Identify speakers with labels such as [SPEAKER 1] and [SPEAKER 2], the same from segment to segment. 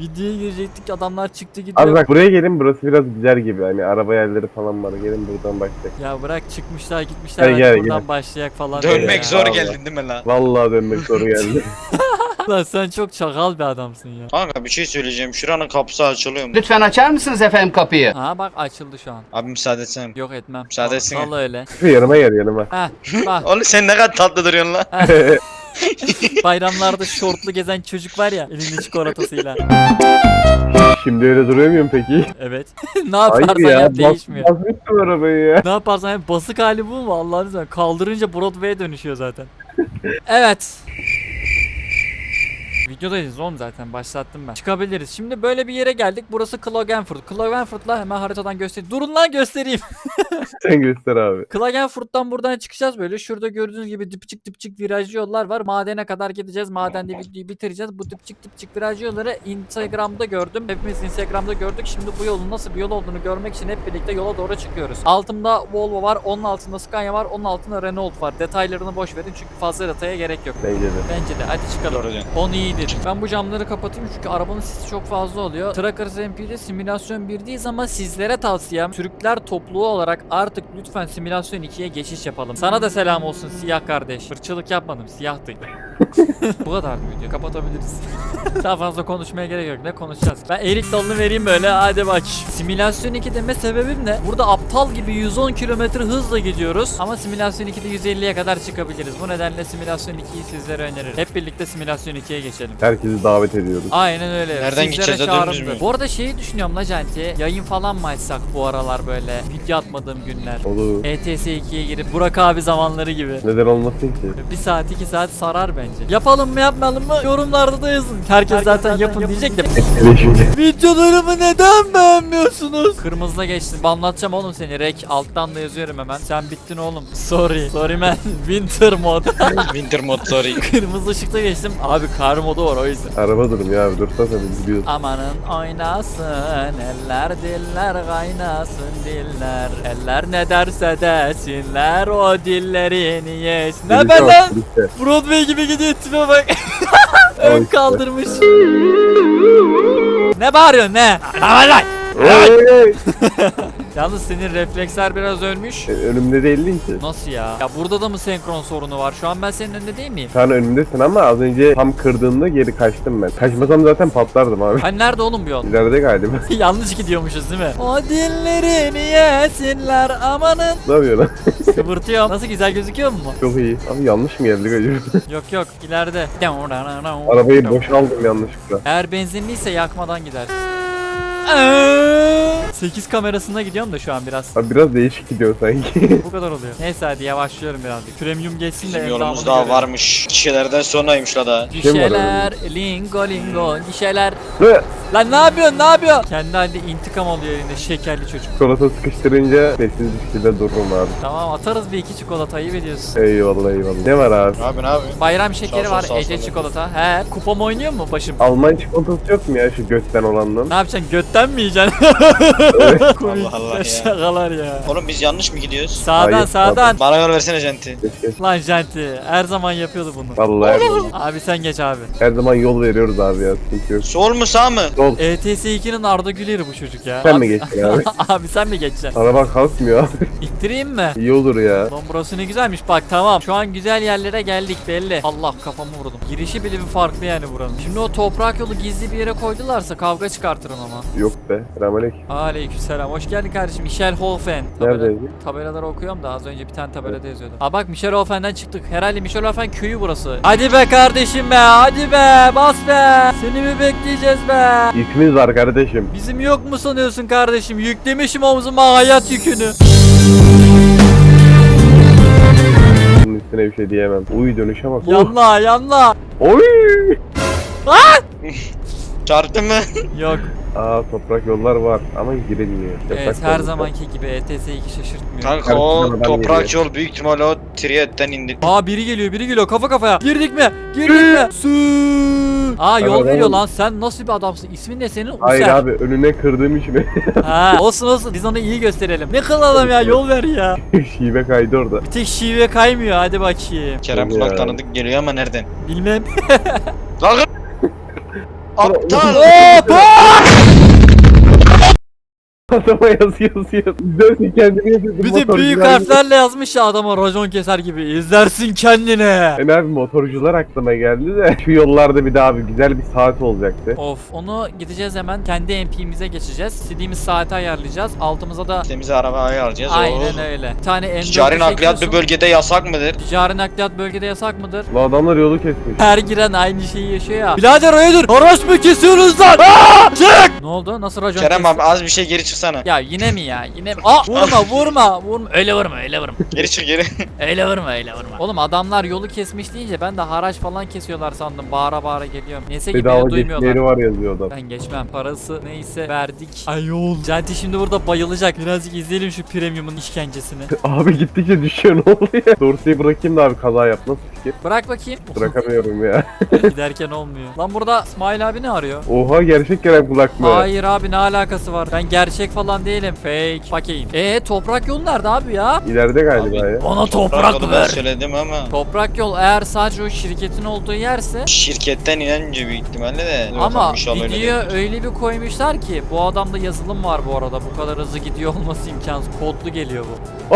[SPEAKER 1] Videoya girecektik, adamlar çıktı
[SPEAKER 2] Abi
[SPEAKER 1] gidiyor.
[SPEAKER 2] bak buraya gelin, burası biraz güzel gibi. Hani araba yerleri falan var. Gelin buradan başlayalım.
[SPEAKER 1] Ya bırak, çıkmışlar gitmişler,
[SPEAKER 2] Gel,
[SPEAKER 1] hadi
[SPEAKER 2] gel,
[SPEAKER 1] buradan
[SPEAKER 2] gel.
[SPEAKER 1] başlayak falan diyor
[SPEAKER 3] Dönmek
[SPEAKER 1] ya.
[SPEAKER 3] zor
[SPEAKER 2] Vallahi.
[SPEAKER 3] geldin değil mi lan?
[SPEAKER 2] Vallahi dönmek zor geldi.
[SPEAKER 1] Lan sen çok çakal bir adamsın ya.
[SPEAKER 3] Kanka bir şey söyleyeceğim. Şuranın kapısı açılıyor mu?
[SPEAKER 4] Lütfen açar mısınız efendim kapıyı?
[SPEAKER 1] Ha bak, açıldı şu an.
[SPEAKER 3] Abi müsaade etsene.
[SPEAKER 1] Yok, etmem.
[SPEAKER 3] Müsaade etsene.
[SPEAKER 1] Vallahi öyle.
[SPEAKER 2] Yanıma gel, yanıma.
[SPEAKER 1] Heh bak,
[SPEAKER 3] Oğlum sen ne kadar tatlı duruyorsun lan.
[SPEAKER 1] bayramlarda şortlu gezen çocuk var ya, elinde çikolatasıyla.
[SPEAKER 2] Şimdi öyle duruyor muyum peki?
[SPEAKER 1] Evet. Ne yaparsan
[SPEAKER 2] Hayır ya.
[SPEAKER 1] yap değişmiyor.
[SPEAKER 2] Basmıştım arabayı ya.
[SPEAKER 1] Ne yaparsan yap, basık hali bu mu Allah'ını seversen? Kaldırınca Broadway'e dönüşüyor zaten. Evet. Videodayız oğlum, zaten başlattım ben. Çıkabiliriz. Şimdi böyle bir yere geldik. Burası Klagenfurt. Klagenfurt'la hemen haritadan göstereyim. Durun lan, göstereyim.
[SPEAKER 2] Sen göster abi.
[SPEAKER 1] Klagenfurt'tan buradan çıkacağız böyle. Şurada gördüğünüz gibi dipçik dipçik virajlı yollar var. Madene kadar gideceğiz. Madende videoyu bitireceğiz. Bu dipçik dipçik virajlı yolları Instagram'da gördüm. Hepimiz Instagram'da gördük. Şimdi bu yolun nasıl bir yol olduğunu görmek için hep birlikte yola doğru çıkıyoruz. Altımda Volvo var. Onun altında Scania var. Onun altında Renault var. Detaylarını boş verin çünkü fazla detaya gerek yok.
[SPEAKER 2] Bence de.
[SPEAKER 1] Bence de. Hadi çıkalım.
[SPEAKER 3] Doğru diyorsun.
[SPEAKER 1] 10 iyidir. Ben bu camları kapatayım çünkü arabanın sesi çok fazla oluyor. Trackers MP'de simülasyon 1'deyiz ama sizlere tavsiyem, Türkler topluluğu olarak artık lütfen simülasyon 2'ye geçiş yapalım. Sana da selam olsun siyah kardeş. Fırçılık yapmadım, siyahtı. Bu kadar video, kapatabiliriz. Daha fazla konuşmaya gerek yok. Ne konuşacağız? Ben erik dalını vereyim böyle, hadi bak. Simülasyon 2 deme sebebim ne? Burada aptal gibi 110 km hızla gidiyoruz ama simülasyon 2'de 150'ye kadar çıkabiliriz. Bu nedenle simülasyon 2'yi sizlere öneririm. Hep birlikte simülasyon 2'ye geçelim.
[SPEAKER 2] Herkesi davet ediyoruz.
[SPEAKER 1] Aynen öyle.
[SPEAKER 3] Nereden
[SPEAKER 1] Sizlere
[SPEAKER 3] gideceğiz de
[SPEAKER 1] çağrımdır.
[SPEAKER 3] dönürüz mü?
[SPEAKER 1] Bu arada şeyi düşünüyorum la Canti. Yayın falan mı açsak bu aralar böyle? Video atmadığım günler.
[SPEAKER 2] Olur.
[SPEAKER 1] ETS 2'ye girip Burak abi zamanları gibi.
[SPEAKER 2] Neden olmasın ki?
[SPEAKER 1] 1 saat 2 saat sarar bence. Yapalım mı yapmayalım mı? Yorumlarda da yazın. Herkes zaten yapın diyecek de. Videolarımı neden beğenmiyorsunuz? Kırmızıda geçtim. Anlatacağım oğlum seni. Rek alttan da yazıyorum hemen. Sen bittin oğlum. Sorry. Sorry man. Winter mod.
[SPEAKER 3] Winter mod sorry.
[SPEAKER 1] Kırmızı ışıkta geçtim. Abi kar modu var o yüzden.
[SPEAKER 2] Araba durum ya abi, dursana biz gidiyoruz.
[SPEAKER 1] Amanın oynasın eller, diller kaynasın diller. Eller ne derse desinler, o dillerini yesin. Ne be lan? Broadway gibi gidiyor, tipe bak. Ön
[SPEAKER 2] işte.
[SPEAKER 1] kaldırmış. Ne bağırıyorsun ne?
[SPEAKER 2] Hey!
[SPEAKER 1] Yalnız senin refleksler biraz ölmüş.
[SPEAKER 2] Önümde değildin ki.
[SPEAKER 1] Nasıl ya? Ya burada da mı senkron sorunu var? Şu an ben senin önünde değil miyim?
[SPEAKER 2] Sen önümdesin ama az önce tam kırdığında geri kaçtım ben. Kaçmasam zaten patlardım abi.
[SPEAKER 1] Hani nerede oğlum bu yol?
[SPEAKER 2] İleride galiba.
[SPEAKER 1] Yanlış gidiyormuşuz değil mi? O dillerini yesinler amanın.
[SPEAKER 2] Ne yapıyor lan?
[SPEAKER 1] Kıvırtıyorum. Nasıl, güzel gözüküyor mu?
[SPEAKER 2] Çok iyi. Abi yanlış mı geldik acaba?
[SPEAKER 1] Yok yok, ileride.
[SPEAKER 2] Arabayı boşaldım yanlışlıkla.
[SPEAKER 1] Eğer benzinliyse yakmadan gider. 8 kamerasına gidiyorum da şu an biraz.
[SPEAKER 2] Abi biraz değişik gidiyor sanki.
[SPEAKER 1] Bu kadar oluyor. Neyse hadi yavaşlıyorum birazcık. Premium geçsin de
[SPEAKER 3] Bizim
[SPEAKER 1] endamını
[SPEAKER 3] yolumuz daha
[SPEAKER 1] görelim.
[SPEAKER 3] varmış. Kişilerden sonraymış la da.
[SPEAKER 1] Gişeler, lingo lingo, gişeler.
[SPEAKER 2] Ve
[SPEAKER 1] Lan ne yapıyorsun, ne yapıyorsun? Kendi halinde intikam alıyor elinde şekerli çocuk.
[SPEAKER 2] çikolata sıkıştırınca sessiz bir şekilde dururum abi.
[SPEAKER 1] Tamam, atarız bir iki çikolata, ayıp ediyorsun.
[SPEAKER 2] Eyvallah eyvallah. Ne var abi?
[SPEAKER 3] Abi ne yapıyorsun?
[SPEAKER 1] Bayram şekeri
[SPEAKER 3] Sağ ol,
[SPEAKER 1] var,
[SPEAKER 3] sağ ol,
[SPEAKER 1] Ece
[SPEAKER 3] sağ ol.
[SPEAKER 1] çikolata. He, kupam oynuyor mu başım?
[SPEAKER 2] Alman çikolatası yok mu ya şu gökten olandan?
[SPEAKER 1] Ne yapacaksın, götten mi yiyeceksin? Komik
[SPEAKER 3] Allah Allah ya.
[SPEAKER 1] şakalar ya.
[SPEAKER 3] Oğlum biz yanlış mı gidiyoruz?
[SPEAKER 1] Sağdan
[SPEAKER 2] Hayır,
[SPEAKER 1] sağdan.
[SPEAKER 3] Bana yol versene Jenti.
[SPEAKER 2] Keşke.
[SPEAKER 1] Lan Janti her zaman yapıyordu bunu.
[SPEAKER 2] Vallahi her zaman,
[SPEAKER 1] Abi sen geç abi.
[SPEAKER 2] her zaman yol veriyoruz abi ya, sıkıntı yok.
[SPEAKER 3] Sol mu sağ mı?
[SPEAKER 2] Sol.
[SPEAKER 1] ETS 2'nin Arda Güler'i bu çocuk ya.
[SPEAKER 2] Sen
[SPEAKER 1] Abi-
[SPEAKER 2] mi geçtin abi?
[SPEAKER 1] Abi sen mi geçeceksin?
[SPEAKER 2] Araba kalkmıyor abi.
[SPEAKER 1] İttireyim mi?
[SPEAKER 2] İyi olur ya.
[SPEAKER 1] Lan burası ne güzelmiş, bak tamam. Şu an güzel yerlere geldik belli. Allah, kafamı vurdum. Girişi bile bir farklı yani buranın. Şimdi o toprak yolu gizli bir yere koydularsa kavga çıkartırım ama.
[SPEAKER 2] Yok be. Selamünaleyküm.
[SPEAKER 1] Aleykümselam. Hoş geldin kardeşim. Michelhofen.
[SPEAKER 2] Neredeydi?
[SPEAKER 1] Tabelaları okuyorum da az önce bir tane tabelada yazıyordu. Aa bak, Michelhofen'den çıktık. Herhalde Michelhofen köyü burası. Hadi be kardeşim be. Hadi be. Bas be. Seni mi bekleyeceğiz be?
[SPEAKER 2] İsminiz var kardeşim.
[SPEAKER 1] Bizim yok mu sanıyorsun kardeşim? Yüklemişim omzuma hayat yükünü.
[SPEAKER 2] Bunun üstüne bir şey diyemem. Uy dönüşe bak.
[SPEAKER 1] Yanla yanla.
[SPEAKER 2] Oy.
[SPEAKER 3] Çarptın mı?
[SPEAKER 1] Yok.
[SPEAKER 2] Aa toprak yollar var ama girilmiyor.
[SPEAKER 1] Evet,
[SPEAKER 2] Yasak
[SPEAKER 1] her
[SPEAKER 2] yollar.
[SPEAKER 1] zamanki gibi ETS2 şaşırtmıyor.
[SPEAKER 3] Kanka o
[SPEAKER 2] Karşıdan adam
[SPEAKER 3] toprak
[SPEAKER 2] geliyor.
[SPEAKER 3] yol büyük ihtimalle o Triyet'ten indi.
[SPEAKER 1] Aa biri geliyor kafa kafaya. Girdik mi? Girdik mi? Su. Aa yol
[SPEAKER 2] Tamam,
[SPEAKER 1] veriyor
[SPEAKER 2] tamam.
[SPEAKER 1] lan, sen nasıl bir adamsın? İsmin ne senin?
[SPEAKER 2] Hayır
[SPEAKER 1] User.
[SPEAKER 2] abi önüne kırdığım için
[SPEAKER 1] Ha olsun olsun, biz onu iyi gösterelim. Ne kılalım ya, yol ver ya.
[SPEAKER 2] şive kaydı orada.
[SPEAKER 1] Bir tek şive kaymıyor, hadi bakayım.
[SPEAKER 3] Kerem
[SPEAKER 2] Tabii
[SPEAKER 3] kulak
[SPEAKER 2] ya.
[SPEAKER 3] tanıdık geliyor ama nereden?
[SPEAKER 1] Bilmem.
[SPEAKER 3] Kalkın. Aptal.
[SPEAKER 1] Hop!
[SPEAKER 2] Adama yazıyor. İzlersin kendini yazıyorsun.
[SPEAKER 1] Bir de büyük harflerle yazmış ya adama racon keser gibi. İzlersin kendine.
[SPEAKER 2] Ben abi motorcular aklıma geldi de şu yollarda bir daha abi güzel bir saat olacaktı.
[SPEAKER 1] Of, onu gideceğiz hemen kendi MP'mize geçeceğiz. İstediğimiz saati ayarlayacağız. Altımıza da
[SPEAKER 3] Temiz araba ayarlayacağız.
[SPEAKER 1] aynen öyle. Bir tane M4'ü
[SPEAKER 3] Ticari nakliyat bir
[SPEAKER 1] çekiyorsun.
[SPEAKER 3] bölgede yasak mıdır?
[SPEAKER 1] Ticari nakliyat bölgede yasak mıdır?
[SPEAKER 2] Bu adamlar yolu kesmiş.
[SPEAKER 1] Her giren aynı şeyi yaşıyor ya. Birader hayırdır? Haraç mı kesiyorsunuz lan? Aa! Çık! Ne oldu? Nasıl racon
[SPEAKER 3] Kerem
[SPEAKER 1] kesti?
[SPEAKER 3] abi az bir şey geri çıksana.
[SPEAKER 1] Ya yine mi ya? Yine mi? Aa vurma. Öyle vurma.
[SPEAKER 3] Geri çık geri.
[SPEAKER 1] Öyle vurma. Oğlum adamlar yolu kesmiş deyince ben de haraç falan kesiyorlar sandım. Bağıra geliyorum. Neyse ki
[SPEAKER 2] Bedava
[SPEAKER 1] beni duymuyorlar.
[SPEAKER 2] geçmeleri var yazıyor adam.
[SPEAKER 1] Ben geçmem. Parası neyse verdik. Ayol. Canti şimdi burada bayılacak. Birazcık izleyelim şu premiumun işkencesini.
[SPEAKER 2] Abi gittikçe düşüyor ne oluyor? Dorseyi bırakayım da abi kaza yap nasıl fikir?
[SPEAKER 1] Bırak bakayım.
[SPEAKER 2] Bırakamıyorum ya.
[SPEAKER 1] Giderken olmuyor. Lan burada İsmail abi ne arıyor?
[SPEAKER 2] Oha gerçek Kerem kulak mı?
[SPEAKER 1] Hayır abi ne alakası var? Ben gerçek falan değilim. Fake. Bakayım. Toprak yol nerede abi ya?
[SPEAKER 2] İleride galiba
[SPEAKER 3] Abi,
[SPEAKER 2] ya.
[SPEAKER 1] Bana
[SPEAKER 3] Toprak
[SPEAKER 1] toprak
[SPEAKER 3] yolu
[SPEAKER 1] ver.
[SPEAKER 3] söyledim ama
[SPEAKER 1] Toprak yol eğer sadece o şirketin olduğu yerse
[SPEAKER 3] şirketten inince büyük ihtimalle de.
[SPEAKER 1] ama
[SPEAKER 3] İnşallah öyle
[SPEAKER 1] videoya
[SPEAKER 3] değildir.
[SPEAKER 1] öyle bir koymuşlar ki bu adamda yazılım var bu arada. Bu kadar hızlı gidiyor olması imkansız. Kodlu geliyor bu.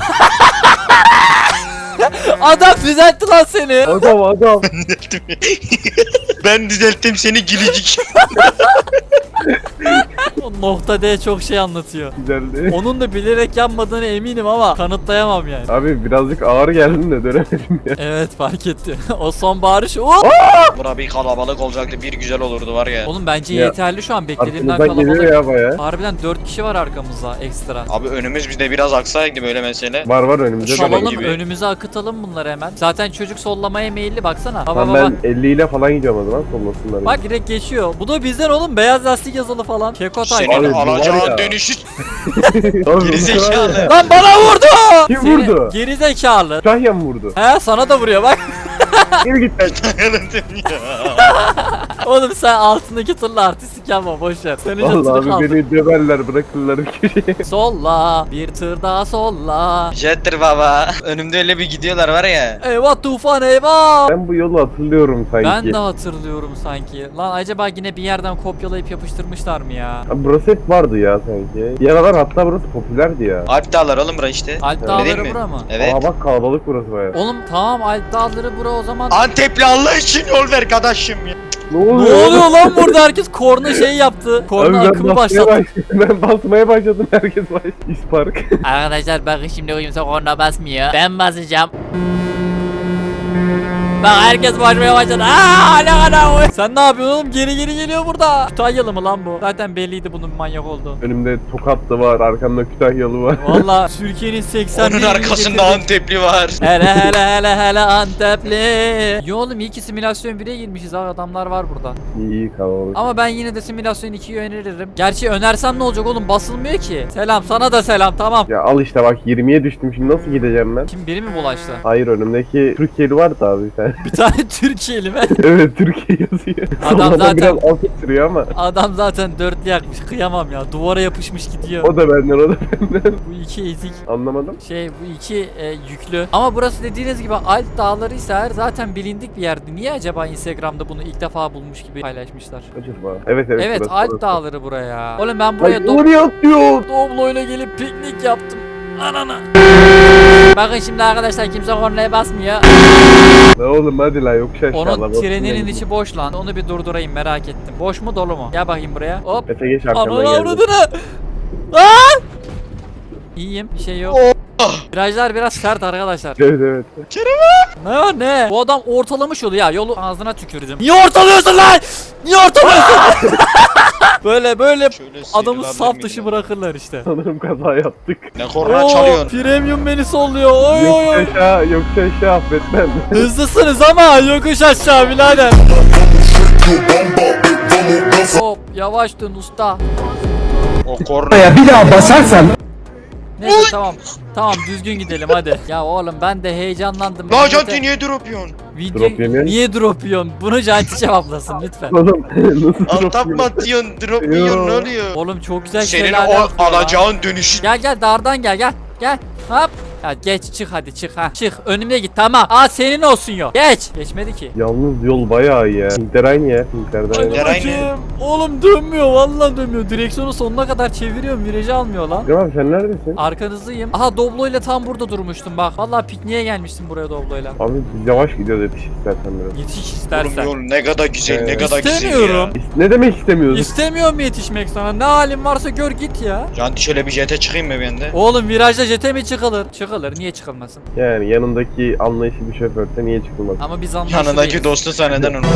[SPEAKER 1] Adam düzeltti lan seni.
[SPEAKER 2] Adam.
[SPEAKER 3] Ben düzelttim seni gülücük.
[SPEAKER 1] O nokta D çok şey anlatıyor.
[SPEAKER 2] Güzeldi.
[SPEAKER 1] Onun da bilerek yapmadığını eminim ama kanıtlayamam yani.
[SPEAKER 2] Abi birazcık ağır geldin de dönemedim ya.
[SPEAKER 1] Evet fark etti. O son bağırış.
[SPEAKER 3] Bura bir kalabalık olacaktı, bir güzel olurdu var ya.
[SPEAKER 1] Oğlum bence
[SPEAKER 2] Ya,
[SPEAKER 1] yeterli şu an beklediğimden
[SPEAKER 2] Arkamızdan geliyor
[SPEAKER 1] kalabalık.
[SPEAKER 2] ya baya.
[SPEAKER 1] Harbiden 4 kişi var arkamızda ekstra.
[SPEAKER 3] Abi önümüz bizde biraz aksaydı böyle mesele.
[SPEAKER 2] Var önümüzde de
[SPEAKER 3] Şabalım
[SPEAKER 2] var.
[SPEAKER 1] Salalım
[SPEAKER 3] gibi.
[SPEAKER 1] önümüze akıtalım bunları hemen. Zaten çocuk sollamaya meyilli baksana. Baba
[SPEAKER 2] Tamam
[SPEAKER 1] baba.
[SPEAKER 2] ben 50 ile falan gidiyorum o zaman sollasınlar.
[SPEAKER 1] Bak direkt geçiyor. Bu da bizden oğlum beyaz lastik yazılı falan. Keko tayfa.
[SPEAKER 3] Senin
[SPEAKER 2] Abi, bu var
[SPEAKER 3] alacağın
[SPEAKER 2] ya.
[SPEAKER 3] dönüşü
[SPEAKER 2] Oğlum,
[SPEAKER 3] gerizekalı.
[SPEAKER 1] Lan bana vurdu!
[SPEAKER 2] Kim
[SPEAKER 1] Seni
[SPEAKER 2] vurdu?
[SPEAKER 1] Geri zekalı.
[SPEAKER 2] Şahyan mı vurdu?
[SPEAKER 1] He sana da vuruyor bak.
[SPEAKER 2] Geri git lan.
[SPEAKER 1] Oğlum sen altındaki tırla artistik yapma boşver. Senin
[SPEAKER 2] Vallahi
[SPEAKER 1] canını
[SPEAKER 2] abi
[SPEAKER 1] kaldır.
[SPEAKER 2] beni döverler bırakırlar bir köşeye.
[SPEAKER 1] Solla bir tır daha solla.
[SPEAKER 3] Jettir baba. Önümde öyle bir gidiyorlar var ya.
[SPEAKER 1] Eyvah tufan eyvah.
[SPEAKER 2] Ben bu yolu hatırlıyorum sanki.
[SPEAKER 1] Ben de hatırlıyorum sanki. Lan acaba yine bir yerden kopyalayıp yapıştırmışlar mı ya?
[SPEAKER 2] Abi burası hep vardı ya sanki. Yaralar hatta burası popülerdi ya.
[SPEAKER 3] Alp dağlar oğlum bura işte.
[SPEAKER 1] Alp
[SPEAKER 3] Öyle değil
[SPEAKER 1] dağları
[SPEAKER 3] mi?
[SPEAKER 1] bura mı?
[SPEAKER 3] Evet.
[SPEAKER 2] Aa bak kalabalık burası baya.
[SPEAKER 1] Oğlum tamam Alp dağları bura o zaman.
[SPEAKER 3] Antepli Allah için yol ver kardeşim ya.
[SPEAKER 2] Ne
[SPEAKER 1] Ne oluyor lan burada herkes korna şey yaptı. Korna akımı başlattı.
[SPEAKER 2] Ben basmaya başladım herkes baş. İspark.
[SPEAKER 1] Arkadaşlar bakın şimdi kimse korna basmıyor. Ben basacağım. Bak herkes başmaya başladı. Aa ne kadar. Sen ne yapıyorsun oğlum? Geri geliyor burada. Kütahyalı mı lan bu? Zaten belliydi bunun manyak olduğu.
[SPEAKER 2] Önümde Tokatlı var, arkamda Kütahyalı var.
[SPEAKER 1] Valla Türkiye'nin 80
[SPEAKER 3] Onun arkasında Antepli var.
[SPEAKER 1] hele Antepli. Yo oğlum iyi ki simülasyon 1'e girmişiz abi adamlar var burada.
[SPEAKER 2] İyi kalabalık.
[SPEAKER 1] Ama ben yine de simülasyon 2'yi öneririm. Gerçi önersem ne olacak oğlum basılmıyor ki. Selam sana da selam tamam.
[SPEAKER 2] Ya al işte bak 20'ye düştüm şimdi nasıl gideceğim ben?
[SPEAKER 1] Kim biri mi bulaştı?
[SPEAKER 2] Hayır önümdeki Türkiye'li vardı abi sen.
[SPEAKER 1] Bir tane Türkiye'li mi?
[SPEAKER 2] Evet Türkiye yazıyor.
[SPEAKER 1] Adam
[SPEAKER 2] Sonradan
[SPEAKER 1] zaten-
[SPEAKER 2] biraz alt sürüyor ama.
[SPEAKER 1] Adam zaten dörtlü yakmış kıyamam ya duvara yapışmış gidiyor.
[SPEAKER 2] O da benden.
[SPEAKER 1] Bu iki ezik.
[SPEAKER 2] Anlamadım.
[SPEAKER 1] Bu iki yüklü. Ama burası dediğiniz gibi Alp dağları ise eğer zaten bilindik bir yerdi. Niye acaba Instagram'da bunu ilk defa bulmuş gibi paylaşmışlar?
[SPEAKER 2] Acaba. Evet
[SPEAKER 1] Evet
[SPEAKER 2] burası,
[SPEAKER 1] Alp
[SPEAKER 2] burası.
[SPEAKER 1] dağları buraya. Oğlum ben buraya
[SPEAKER 2] Ay oraya atlıyor.
[SPEAKER 1] Doblo'yla gelip piknik yaptım. Anana. Bakın şimdi arkadaşlar kimse kornaya basmıyor.
[SPEAKER 2] Ne oğlum hadi la yokuş aşağı.
[SPEAKER 1] Onun treninin içi boş lan. Onu bir durdurayım merak ettim. Boş mu dolu mu? Gel bakayım buraya. Hop.
[SPEAKER 2] Efe geç arkamdan
[SPEAKER 1] Ananı
[SPEAKER 2] geldi.
[SPEAKER 1] avradını. Aa! İyiyim bir şey yok. Virajlar biraz sert arkadaşlar.
[SPEAKER 2] Evet.
[SPEAKER 1] Ne var ne? Bu adam ortalamış yolu ya. Yolu ağzına tükürdüm. Niye ortalıyorsun lan? Niye ortalıyorsun? böyle
[SPEAKER 3] Şöyle
[SPEAKER 1] adamı
[SPEAKER 3] sıyrılabilir
[SPEAKER 1] saf
[SPEAKER 3] miyim
[SPEAKER 1] dışı
[SPEAKER 3] ya?
[SPEAKER 1] bırakırlar işte.
[SPEAKER 2] Sanırım kaza yaptık.
[SPEAKER 3] Ne korna çalıyorsun?
[SPEAKER 1] Premium beni solluyor. Oy oy oy.
[SPEAKER 2] Yokuş aşağı affetmem.
[SPEAKER 1] Hızlısınız ama yokuş aşağı birader. Hop yavaş dön usta.
[SPEAKER 3] O korna.
[SPEAKER 4] Bir daha basarsan
[SPEAKER 1] Neyse tamam. Tamam düzgün gidelim hadi. Ya oğlum ben de heyecanlandım.
[SPEAKER 3] La
[SPEAKER 1] Millete-
[SPEAKER 3] Canti niye drop yiyorsun?
[SPEAKER 1] Video
[SPEAKER 2] Drop yemiyor.
[SPEAKER 1] niye drop yiyorsun? Bunu Canti cevaplasın lütfen.
[SPEAKER 2] Oğlum nasıl
[SPEAKER 3] Altap mı atıyorsun? Drop
[SPEAKER 2] Yo.
[SPEAKER 3] yiyorsun ne oluyor?
[SPEAKER 1] Oğlum çok güzel
[SPEAKER 3] Senin
[SPEAKER 1] şeyler
[SPEAKER 3] o
[SPEAKER 1] yapıyor lan.
[SPEAKER 3] alacağın dönüşü.
[SPEAKER 1] Gel dardan gel. Gel. Hop. Ya geç çık hadi çık ha. Çık önüme git tamam. Aa senin olsun yok. Geç. Geçmedi ki.
[SPEAKER 2] Yalnız yol bayağı iyi ya. Hintler aynı ya. Hintlerden
[SPEAKER 1] Hadi
[SPEAKER 2] aynı.
[SPEAKER 3] Aynı.
[SPEAKER 1] bakayım. Oğlum dönmüyor vallahi dönmüyor. Direksiyonu sonuna kadar çeviriyorum. Virajı almıyor lan.
[SPEAKER 2] Tamam sen neredesin?
[SPEAKER 1] Arkanızdayım. Aha Doblo ile tam burada durmuştum bak. Vallahi pikniğe gelmiştim buraya Doblo ile.
[SPEAKER 2] Abi biz yavaş gidiyoruz yetiş istersen biraz.
[SPEAKER 1] Yetiş
[SPEAKER 3] Oğlum
[SPEAKER 1] istersen.
[SPEAKER 3] yol ne kadar güzel ne kadar güzel
[SPEAKER 1] İstemiyorum.
[SPEAKER 3] ya.
[SPEAKER 2] Ne demek istemiyorsun?
[SPEAKER 1] İstemiyorum yetişmek sana. Ne halin varsa gör git ya.
[SPEAKER 3] Canti şöyle bir jete çıkayım mı ben de?
[SPEAKER 1] Oğlum virajda jete mi çıkılır? Çıkılır. Niye çıkılmasın?
[SPEAKER 2] Yani yanındaki anlayışlı bir şoförse niye çıkılmaz?
[SPEAKER 1] Ama biz anlaşılıyız.
[SPEAKER 3] Yanındaki dostu sen neden onu?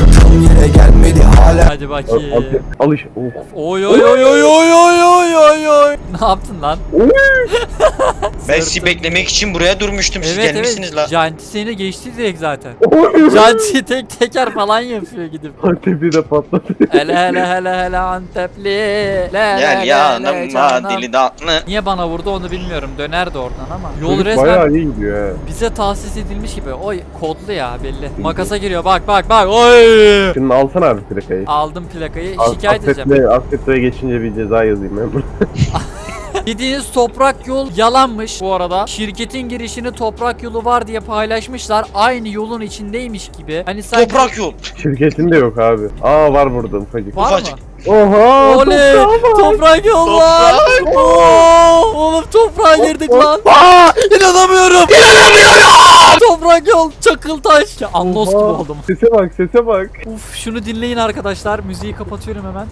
[SPEAKER 1] Hadi bakayım.
[SPEAKER 2] Alış. Oh.
[SPEAKER 1] Oy oy oy oy oy oy oy oy oy. Ne yaptın lan?
[SPEAKER 3] Ben sizi beklemek için buraya durmuştum. Siz
[SPEAKER 1] Evet
[SPEAKER 3] gelmişsiniz
[SPEAKER 1] evet.
[SPEAKER 3] la.
[SPEAKER 1] Janti seni geçti direkt zaten.
[SPEAKER 2] Oy.
[SPEAKER 1] Janti tek teker falan yapıyor gidip.
[SPEAKER 2] Antep'i de patladı.
[SPEAKER 1] Hele hele hele hele Antepli. Le,
[SPEAKER 3] Gel
[SPEAKER 1] le, le,
[SPEAKER 3] yanıma
[SPEAKER 1] canım.
[SPEAKER 3] dili tatlı.
[SPEAKER 1] Niye bana vurdu onu bilmiyorum. Dönerdi oradan ama. Yol
[SPEAKER 2] Çocuk
[SPEAKER 1] resmen
[SPEAKER 2] bayağı iyi gidiyor ha.
[SPEAKER 1] bize tahsis edilmiş gibi. Oy kodlu ya belli. Makasa giriyor bak bak bak. Oy.
[SPEAKER 2] Şimdi alsana abi plakayı.
[SPEAKER 1] Aldım plakayı. Şikayet edeceğim.
[SPEAKER 2] Affetle geçince bir ceza yazayım ben.
[SPEAKER 1] Dediğiniz toprak yol yalanmış bu arada. Şirketin girişini toprak yolu var diye paylaşmışlar. Aynı yolun içindeymiş gibi. Hani sanki
[SPEAKER 3] Toprak yol.
[SPEAKER 2] Şirketin de yok abi. Aa var burada ufacık.
[SPEAKER 1] var
[SPEAKER 3] ufacık.
[SPEAKER 1] mı?
[SPEAKER 2] Oha!
[SPEAKER 1] Oley! Toprak yol var. Oo! Oğlum toprağa girdik lan.
[SPEAKER 2] Aa!
[SPEAKER 1] İnanamıyorum. Toprak yol Çakıltaş. Ya Anlos gibi
[SPEAKER 2] Oha!
[SPEAKER 1] oldum.
[SPEAKER 2] Sese bak sese bak.
[SPEAKER 1] Uf şunu dinleyin arkadaşlar. Müziği kapatıyorum hemen.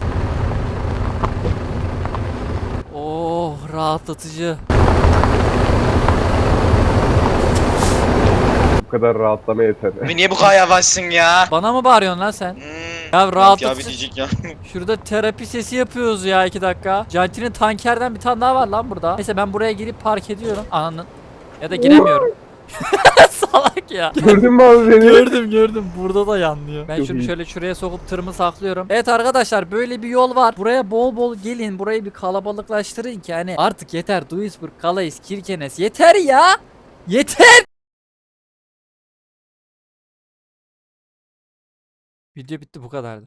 [SPEAKER 1] Oh rahatlatıcı.
[SPEAKER 2] Bu kadar rahatlama yeter.
[SPEAKER 3] Abi niye bu kadar yavaşsın ya?
[SPEAKER 1] Bana mı bağırıyorsun lan sen?
[SPEAKER 3] Hmm.
[SPEAKER 1] Ya
[SPEAKER 3] Ya
[SPEAKER 1] rahatlatıcı.
[SPEAKER 3] bir diyecek ya.
[SPEAKER 1] Şurada terapi sesi yapıyoruz ya 2 dakika. Janti'nin tankerden bir tane daha var lan burada. Neyse ben buraya girip park ediyorum. Ananın. Ya da giremiyorum. Salak ya.
[SPEAKER 2] Gördün mü abi beni?
[SPEAKER 1] Gördüm burada da yanlıyor. Ben
[SPEAKER 2] Çok
[SPEAKER 1] şunu
[SPEAKER 2] iyi.
[SPEAKER 1] şöyle şuraya sokup tırımı saklıyorum. Evet arkadaşlar böyle bir yol var. Buraya bol bol gelin. Burayı bir kalabalıklaştırın ki hani artık yeter. Duisburg, Calais, Kirkenes yeter ya. Yeter. Video bitti bu kadardı.